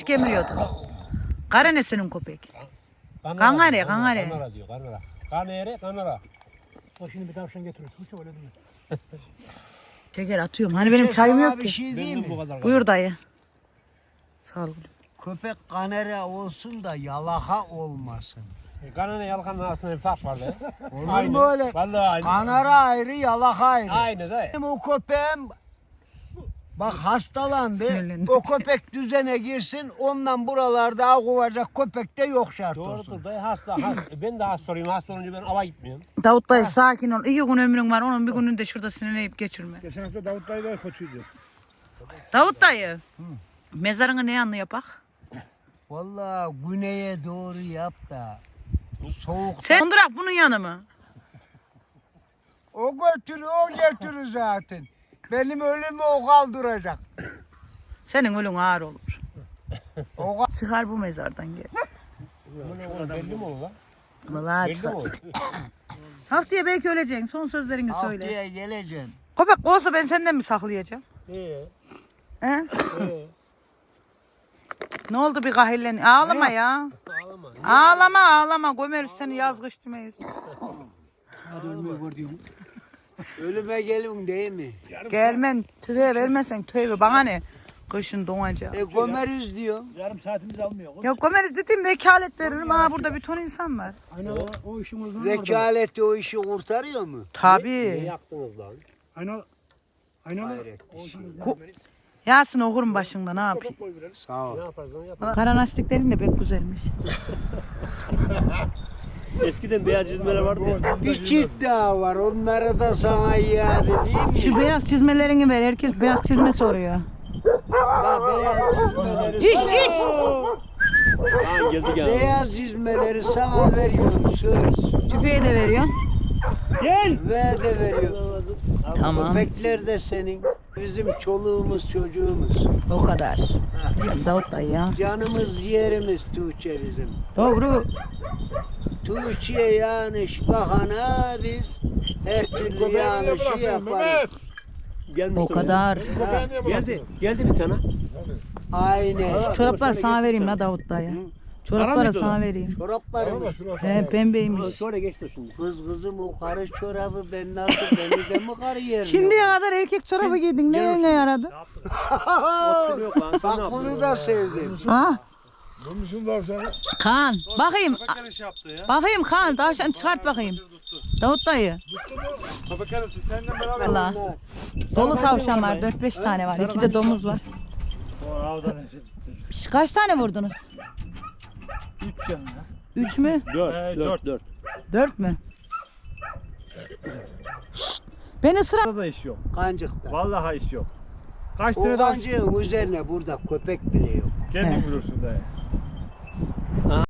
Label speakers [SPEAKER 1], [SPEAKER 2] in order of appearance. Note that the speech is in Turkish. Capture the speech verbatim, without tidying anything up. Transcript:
[SPEAKER 1] Kemiriyordu. Kara senin köpek?
[SPEAKER 2] Kanara,
[SPEAKER 1] Kanare,
[SPEAKER 2] diyor,
[SPEAKER 1] kanare.
[SPEAKER 2] Kanara diyor, kanara. Kanere, kanara.
[SPEAKER 3] O şimdi bir tavşan getiriyor. Hiç öyle değil mi?
[SPEAKER 1] Şeker atıyorum. Hani benim çayım
[SPEAKER 4] Sana
[SPEAKER 1] yok
[SPEAKER 4] bir
[SPEAKER 1] ki.
[SPEAKER 4] şey değil
[SPEAKER 2] Benim bu
[SPEAKER 4] mi?
[SPEAKER 2] kadar.
[SPEAKER 1] Buyur dayı. Sağ ol.
[SPEAKER 4] Köpek kanere olsun da yalaka olmasın.
[SPEAKER 2] Kanane yalkanın arasında bir fark var da.
[SPEAKER 4] Olur mu öyle?
[SPEAKER 2] Vallahi aynı.
[SPEAKER 4] Kanara ayrı, yalaka ayrı.
[SPEAKER 2] Aynı da.
[SPEAKER 4] Benim o köpeğim bak hastalandı.
[SPEAKER 1] Sinirlendi.
[SPEAKER 4] O köpek düzene girsin. Ondan buralarda av kovacak köpek de yok şart olsun.
[SPEAKER 2] Doğrudur dayı hasta. hasta. Ben de hasta olayım. Hasta olunca ben ava gitmiyorum.
[SPEAKER 1] Davut dayı sakin ol. İki gün ömrün var. Onun bir gününü de şurada sinirleyip geçirme.
[SPEAKER 3] Geçen hafta Davut dayı da kötüydü.
[SPEAKER 1] Davut dayı. Mezarını ne yanlı yapak?
[SPEAKER 4] Vallahi güneye doğru yap da. Soğuk.
[SPEAKER 1] Sen Kondurak bunun yanı mı?
[SPEAKER 4] O götürü o götürü zaten. Benim ölümü o kaldıracak.
[SPEAKER 1] Senin ölün ağır olur.
[SPEAKER 4] O
[SPEAKER 1] Çıkar bu mezardan gel.
[SPEAKER 2] Bunu belli mi olur lan?
[SPEAKER 1] Vallahi
[SPEAKER 2] Belli
[SPEAKER 1] çıkar.
[SPEAKER 2] mi olur?
[SPEAKER 1] Haftaya belki öleceksin. Son sözlerini söyle.
[SPEAKER 4] haftaya geleceksin.
[SPEAKER 1] Köpek olsa ben senden mi saklayacağım?
[SPEAKER 2] İyi.
[SPEAKER 1] He?
[SPEAKER 2] İyi.
[SPEAKER 1] Ne oldu bir kahillen? Ağlama ya.
[SPEAKER 2] Ağlama.
[SPEAKER 1] Ağlama ağlama. Gömeriz seni yaz kış demeyiz.
[SPEAKER 3] Hadi ölmeyi gör diyorum.
[SPEAKER 4] Ölüme gelin değil mi?
[SPEAKER 1] Gelmen tüfeğe vermezsen tüfeği bana ne? Kışın donacak.
[SPEAKER 4] E gömeriz diyor.
[SPEAKER 3] Yarım saatimiz almıyor.
[SPEAKER 1] Ya gömeriz dediğim vekalet veririm. Ha burada bir ton insan var.
[SPEAKER 3] Aynen o, o işin uzmanı orada.
[SPEAKER 4] Vekaleti o işi kurtarıyor mu?
[SPEAKER 2] Ne
[SPEAKER 1] Tabii.
[SPEAKER 2] yaktınız lan?
[SPEAKER 3] Aynen. Aynen
[SPEAKER 4] Hayret
[SPEAKER 3] o
[SPEAKER 4] bir
[SPEAKER 3] işin
[SPEAKER 4] şey.
[SPEAKER 3] uzmanı.
[SPEAKER 1] Yasin okurum başında ne yapayım.
[SPEAKER 4] Sağ ol.
[SPEAKER 2] Ne yaparız lan yapalım.
[SPEAKER 1] Karanastiklerin de pek güzelmiş.
[SPEAKER 2] Eskiden beyaz çizmeler vardı ya.
[SPEAKER 4] Bir çift daha var. Onlara da sana iade değil mi?
[SPEAKER 1] Şu beyaz çizmelerini ver. Herkes beyaz çizme soruyor.
[SPEAKER 4] Bak, beyaz çizmeleri,
[SPEAKER 1] İş iş.
[SPEAKER 2] Aa geldi gel.
[SPEAKER 4] beyaz çizmeleri sana veriyorum söz.
[SPEAKER 1] Tüfeği de veriyor.
[SPEAKER 2] Gel.
[SPEAKER 4] Ve de veriyorum.
[SPEAKER 1] Tamam.
[SPEAKER 4] Köpekler de senin. Bizim çoluğumuz çocuğumuz.
[SPEAKER 1] O kadar. Davut dayı ya.
[SPEAKER 4] Canımız ciğerimiz Tuğçe bizim.
[SPEAKER 1] Doğru.
[SPEAKER 4] Tuğçe'ye yanlış bakana biz her türlü yanlışı yaparız.
[SPEAKER 2] Gelmiş
[SPEAKER 1] O kadar.
[SPEAKER 2] Geldi. Geldi bir tane.
[SPEAKER 4] Aynen.
[SPEAKER 1] Çoraplar sana vereyim la Davut dayı. Çorapları sana vereyim.
[SPEAKER 4] Çoraplarımız.
[SPEAKER 1] He pembeymiş.
[SPEAKER 2] Sonra geçti şimdi.
[SPEAKER 4] Kız kızım o karı çorabı ben nasıl beni de mi karı yerim?
[SPEAKER 1] Şimdiye kadar erkek çorabı giydin. Ne ne yaradı?
[SPEAKER 2] Yok lan sen ne
[SPEAKER 4] Bak
[SPEAKER 2] yaptın?
[SPEAKER 4] bunu da sevdim.
[SPEAKER 1] Ha?
[SPEAKER 3] Bulmuşsun tavşanı.
[SPEAKER 1] Kaan. Bakayım.
[SPEAKER 3] iş yaptı ya.
[SPEAKER 1] Bakayım Kaan. Tavşan çıkart bakayım. Davut dayı.
[SPEAKER 3] Köpek arası seninle beraber.
[SPEAKER 1] Allah. Dolu tavşan var. dört beş tane var. İki de domuz var.
[SPEAKER 3] O avdan
[SPEAKER 1] Şş, kaç tane vurdunuz?
[SPEAKER 3] üç canlı.
[SPEAKER 1] Üç mü?
[SPEAKER 2] Dört. Dört. Dört.
[SPEAKER 1] Dört mü? Şşt, beni sıra...
[SPEAKER 3] Burada da iş yok.
[SPEAKER 4] Kancıkta.
[SPEAKER 3] Vallahi iş yok. Kaç
[SPEAKER 4] O
[SPEAKER 3] tane daha
[SPEAKER 4] kancığın üzerine burada köpek bile yok.
[SPEAKER 3] kendin
[SPEAKER 1] He.
[SPEAKER 3] bulursun dayı.